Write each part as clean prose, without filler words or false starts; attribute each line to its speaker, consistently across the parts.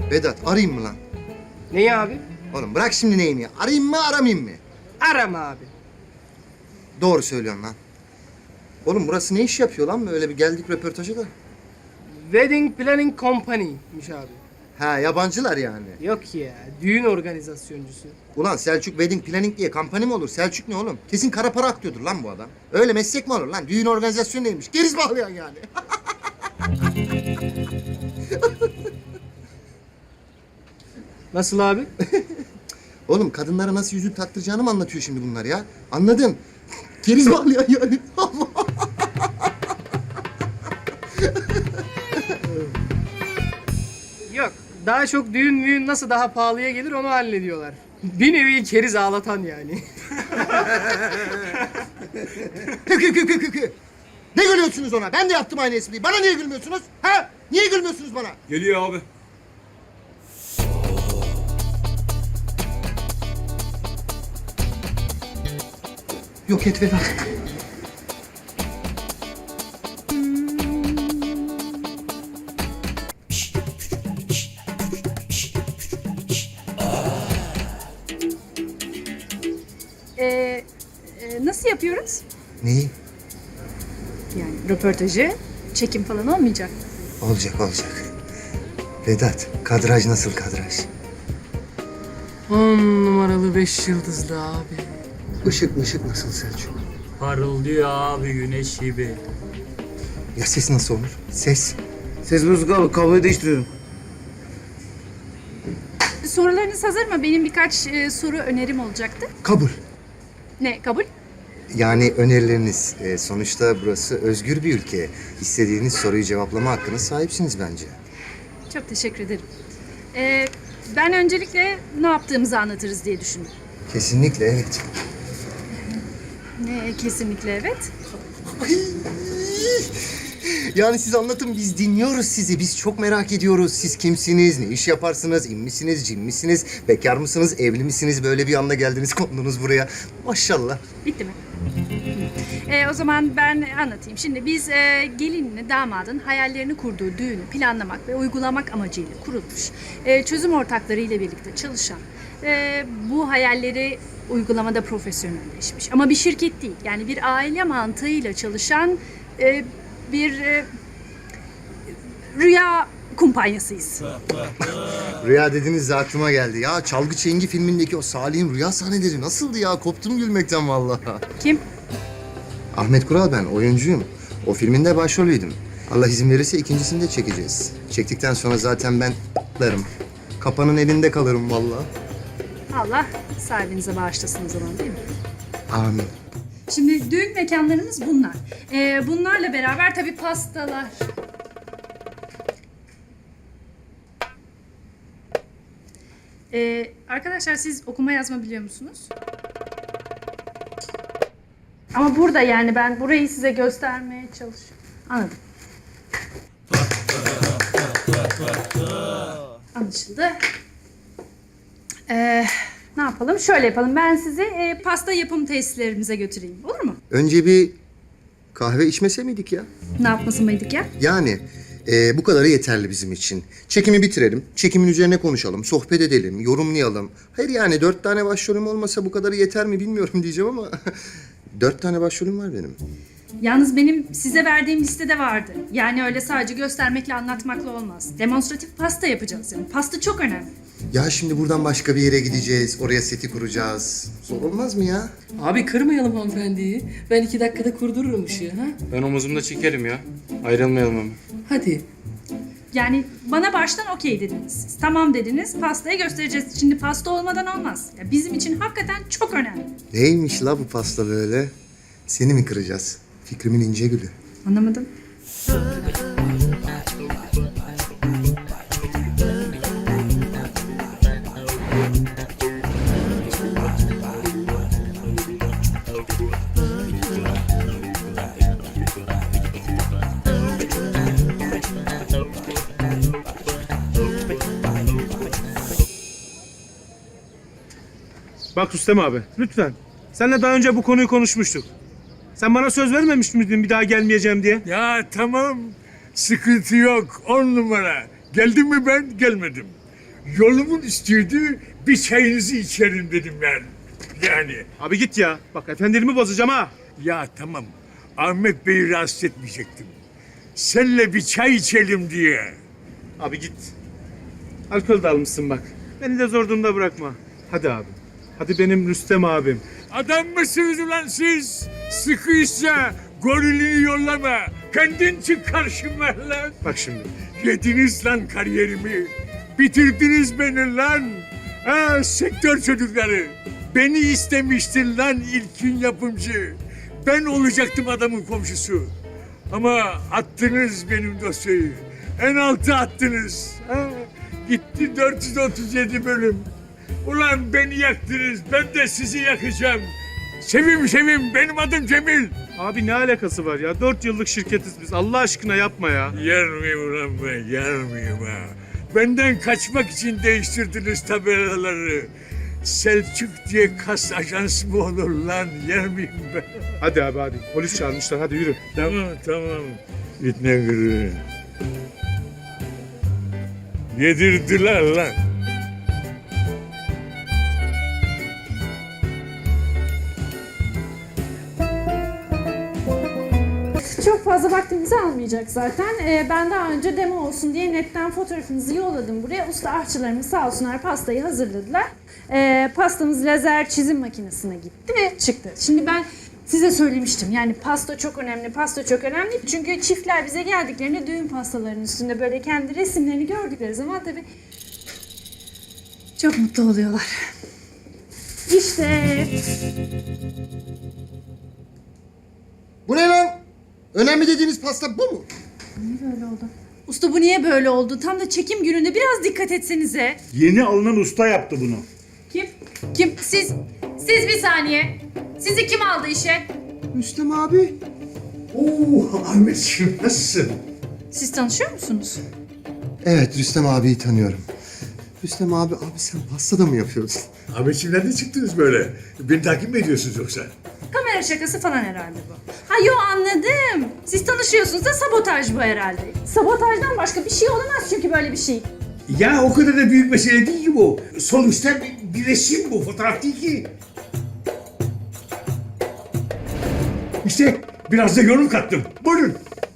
Speaker 1: Vedat arayayım mı lan?
Speaker 2: Neyi abi?
Speaker 1: Oğlum bırak şimdi neyini ya. Arayayım mı aramayayım mı?
Speaker 2: Arama abi.
Speaker 1: Doğru söylüyorsun lan. Oğlum burası ne iş yapıyor lan? Böyle bir geldik röportaja da.
Speaker 2: Wedding Planning Company'miş abi.
Speaker 1: Ha yabancılar yani.
Speaker 2: Yok ya, düğün organizasyoncusu.
Speaker 1: Ulan Selçuk Wedding Planning diye kampanya mı olur? Selçuk ne oğlum? Kesin kara para aktıyordur lan bu adam. Öyle meslek mi olur lan? Düğün organizasyonu neymiş? Geriz bağlayan yani.
Speaker 2: Nasıl abi?
Speaker 1: Oğlum kadınlara nasıl yüzük taktıracağını mı anlatıyor şimdi bunlar ya? Anladım. Geriz bağlayan yani.
Speaker 2: Yok, daha çok düğün nasıl daha pahalıya gelir onu hallediyorlar. Bir nevi keriz ağlatan yani.
Speaker 1: Kü. Ne gülüyorsunuz ona? Ben de yaptım aynı espriyi. Bana niye gülmüyorsunuz? Ha? Niye gülmüyorsunuz bana?
Speaker 3: Geliyor abi.
Speaker 1: Yok et Vedat.
Speaker 4: Nasıl yapıyoruz?
Speaker 1: Neyi?
Speaker 4: Yani röportajı, çekim falan olmayacak.
Speaker 1: Olacak. Vedat, kadraj nasıl kadraj?
Speaker 2: 10 numaralı 5 yıldızlı abi.
Speaker 1: Işık nasıl Selçuk?
Speaker 5: Parıldıyor abi güneş gibi.
Speaker 1: Ya ses nasıl olur? Ses.
Speaker 6: Ses bozuk abi, kabloyu değiştiriyorum.
Speaker 4: Sorularınız hazır mı? Benim birkaç soru önerim olacaktı.
Speaker 1: Kabul.
Speaker 4: Ne, kabul?
Speaker 1: Yani önerileriniz. Sonuçta burası özgür bir ülke. İstediğiniz soruyu cevaplama hakkına sahipsiniz bence.
Speaker 4: Çok teşekkür ederim. Ben öncelikle ne yaptığımızı anlatırız diye düşündüm.
Speaker 1: Kesinlikle evet.
Speaker 4: Ne, kesinlikle evet.
Speaker 1: Yani siz anlatın, biz dinliyoruz sizi. Biz çok merak ediyoruz. Siz kimsiniz, ne iş yaparsınız, in misiniz, cin misiniz, bekar mısınız, evli misiniz? Böyle bir anda geldiniz, kondunuz buraya. Maşallah.
Speaker 4: Bitti mi? O zaman ben anlatayım. Şimdi biz gelinle damadın hayallerini kurduğu düğünü planlamak ve uygulamak amacıyla kurulmuş, çözüm ortakları ile birlikte çalışan, bu hayalleri uygulamada profesyonelleşmiş. Ama bir şirket değil, yani bir aile mantığıyla çalışan bir rüya kumpanyasıyız.
Speaker 1: Rüya dediniz de aklıma geldi. Ya Çalgı Çengi filmindeki o Salih'in rüya sahneleri nasıldı ya? Koptum gülmekten vallahi.
Speaker 4: Kim?
Speaker 1: Ahmet Kural ben, oyuncuyum. O filminde başrolüydüm. Allah izin verirse ikincisini de çekeceğiz. Çektikten sonra zaten ben patlarım. Kapanın elinde kalırım vallahi.
Speaker 4: Allah sahibinize bağışlasın o zaman, değil mi?
Speaker 1: Amin.
Speaker 4: Şimdi düğün mekanlarımız bunlar. Bunlarla beraber tabii pastalar. Arkadaşlar siz okuma yazma biliyor musunuz? Ama burada yani ben burayı size göstermeye çalışıyorum. Anladım. Anlaşıldı. Ne yapalım? Şöyle yapalım. Ben sizi pasta yapım tesislerimize götüreyim. Olur mu?
Speaker 1: Önce bir kahve içmese miydik ya?
Speaker 4: Ne yapması mıydık ya?
Speaker 1: Yani bu kadarı yeterli bizim için. Çekimi bitirelim, çekimin üzerine konuşalım, sohbet edelim, yorumlayalım. Hayır yani 4 tane başrolüm olmasa bu kadarı yeter mi bilmiyorum diyeceğim ama 4 tane başrolüm var benim.
Speaker 4: Yalnız benim size verdiğim listede vardı. Yani öyle sadece göstermekle anlatmakla olmaz. Demonstratif pasta yapacağız yani. Pasta çok önemli.
Speaker 1: Ya şimdi buradan başka bir yere gideceğiz, oraya seti kuracağız. Zor olmaz mı ya?
Speaker 2: Abi kırmayalım hanımefendiyi. Ben 2 dakikada kurdururum ışığı ha.
Speaker 3: Ben omuzumda çekerim ya. Ayrılmayalım ama.
Speaker 2: Hadi.
Speaker 4: Yani bana baştan okey dediniz. Siz tamam dediniz, pastayı göstereceğiz. Şimdi pasta olmadan olmaz. Ya bizim için hakikaten çok önemli.
Speaker 1: Neymiş la bu pasta böyle? Seni mi kıracağız? Fikrimin ince gülü.
Speaker 4: Anlamadım.
Speaker 7: Bak Rüstem abi, lütfen. Seninle daha önce bu konuyu konuşmuştuk. Sen bana söz vermemiş miydin bir daha gelmeyeceğim diye?
Speaker 8: Ya tamam. Sıkıntı yok. 10 numara. Geldim mi ben? Gelmedim. Yolumun üstüydü, bir çayınızı içerim dedim ben. Yani.
Speaker 7: Abi git ya. Bak efendiliğimi bozacağım ha.
Speaker 8: Ya tamam, Ahmet Bey'i rahatsız etmeyecektim. Seninle bir çay içelim diye.
Speaker 7: Abi git. Alkol de almışsın bak. Beni de zor durumda bırakma. Hadi abi. Hadi benim Rüstem abim.
Speaker 8: Adam mısınız ulan siz? Sıkıysa gorilini yollama. Kendin çık karşıma lan.
Speaker 7: Bak şimdi.
Speaker 8: Yediniz lan kariyerimi. Bitirdiniz beni lan. Ha, sektör çocukları. Beni istemiştin lan ilkin yapımcı. Ben olacaktım adamın komşusu. Ama attınız benim dosyayı. En altı attınız. Ha, gitti 437 bölüm. Ulan beni yaktınız. Ben de sizi yakacağım. Sevim benim adım Cemil.
Speaker 7: Abi ne alakası var ya? 4 yıllık şirketiz biz. Allah aşkına yapma ya.
Speaker 8: Yer miyim ulan ben? Yer miyim ha? Benden kaçmak için değiştirdiniz tabelaları. Selçuk diye kas ajans mı olur lan? Yer miyim ben?
Speaker 7: Hadi abi hadi. Polis çağırmışlar. Hadi yürü.
Speaker 8: Tamam. Bitne gırı. Yedirdiler lan.
Speaker 4: Çok fazla vaktimizi almayacak zaten. Ben daha önce demo olsun diye netten fotoğrafınızı yolladım buraya. Usta aşçılarımız sağ olsunlar pastayı hazırladılar. Pastamız lazer çizim makinesine gitti ve çıktı. Şimdi ben size söylemiştim yani pasta çok önemli, pasta çok önemli. Çünkü çiftler bize geldiklerinde düğün pastalarının üstünde böyle kendi resimlerini gördükleri zaman tabii çok mutlu oluyorlar. İşte
Speaker 1: Bu ne lan? Önemli dediğiniz pasta bu mu?
Speaker 4: böyle oldu. Usta bu niye böyle oldu? Tam da çekim gününde biraz dikkat etsenize.
Speaker 9: Yeni alınan usta yaptı bunu.
Speaker 4: Kim? Kim? Siz bir saniye. Sizi kim aldı işe?
Speaker 1: Rüstem abi.
Speaker 8: Oo Ahmetciğim nasılsın?
Speaker 4: Siz tanışıyor musunuz?
Speaker 1: Evet, Rüstem abiyi tanıyorum. Rüstem abi sen pasta da mı yapıyorsun?
Speaker 8: Ahmetciğim nereden çıktınız böyle? Beni takip mi ediyorsunuz yoksa?
Speaker 4: Kamera şakası falan herhalde bu. Ha yo anladım. Siz tanışıyorsunuz da sabotaj bu herhalde. Sabotajdan başka bir şey olamaz çünkü böyle bir şey.
Speaker 8: Ya o kadar da büyük mesele değil ki bu. Sonuçta bir resim bu, fotoğraf değil ki. İşte biraz da yorum kattım. Buyurun.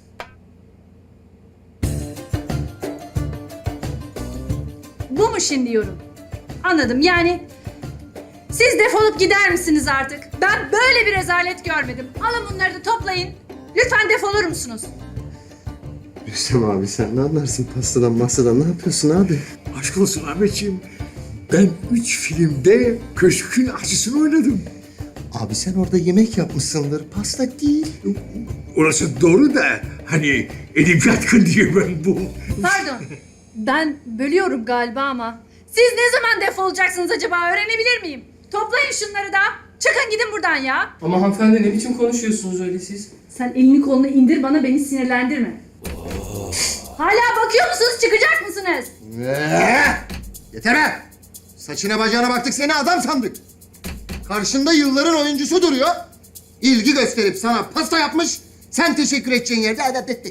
Speaker 4: Bu mu şimdi yorum? Anladım yani siz defolup gider misiniz artık? Ben böyle bir rezalet görmedim. Alın bunları da toplayın. Lütfen defolur musunuz?
Speaker 1: Rüstem abi sen ne anlarsın pastadan masadan ne yapıyorsun abi?
Speaker 8: Aşk olsun Ahmetciğim. Ben 3 filmde köşkün aşçısını oynadım.
Speaker 1: Abi sen orada yemek yapmışsındır, pasta değil.
Speaker 8: Orası doğru da hani elim yatkın diye ben bu.
Speaker 4: Pardon. Ben bölüyorum galiba ama. Siz ne zaman defolacaksınız acaba öğrenebilir miyim? Toplayın şunları da. Çıkın gidin buradan ya.
Speaker 2: Ama hanımefendi ne biçim konuşuyorsunuz öyle siz?
Speaker 4: Sen elini kolunu indir bana beni sinirlendirme. Hala bakıyor musunuz çıkacak mısınız?
Speaker 1: Yeter be! Saçına bacağına baktık seni adam sandık. Karşında yılların oyuncusu duruyor. İlgi gösterip sana pasta yapmış. Sen teşekkür edeceğin yerde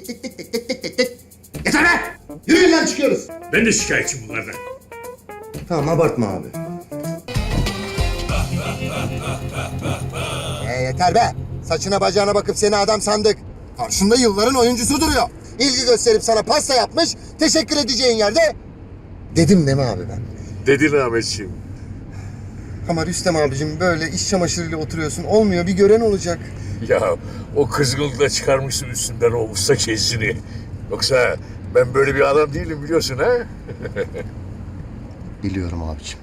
Speaker 1: yeter be! Yürüyün lan çıkıyoruz.
Speaker 8: Ben de şikayetçiyim bunlardan.
Speaker 1: Tamam abartma abi. Yeter be! Saçına bacağına bakıp seni adam sandık. Karşında yılların oyuncusu duruyor. İlgi gösterip sana pasta yapmış. Teşekkür edeceğin yerde... Dedim değil mi abi ben?
Speaker 8: Dedin Ahmetciğim.
Speaker 1: Ama Rüstem abicim böyle iş çamaşırıyla oturuyorsun. Olmuyor bir gören olacak.
Speaker 8: Ya o kızgınlıkla çıkarmışsın üstünden o usta kezini. Yoksa ben böyle bir adam değilim biliyorsun ha?
Speaker 1: Biliyorum abicim.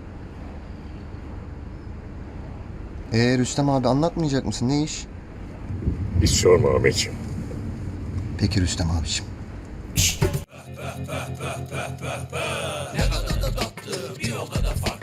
Speaker 1: Rüstem abi anlatmayacak mısın? Ne iş?
Speaker 8: Hiç sorma Ahmetciğim.
Speaker 1: Peki Rüstem abicim.
Speaker 10: Ne kadar da tatlı bir o kadar farklı.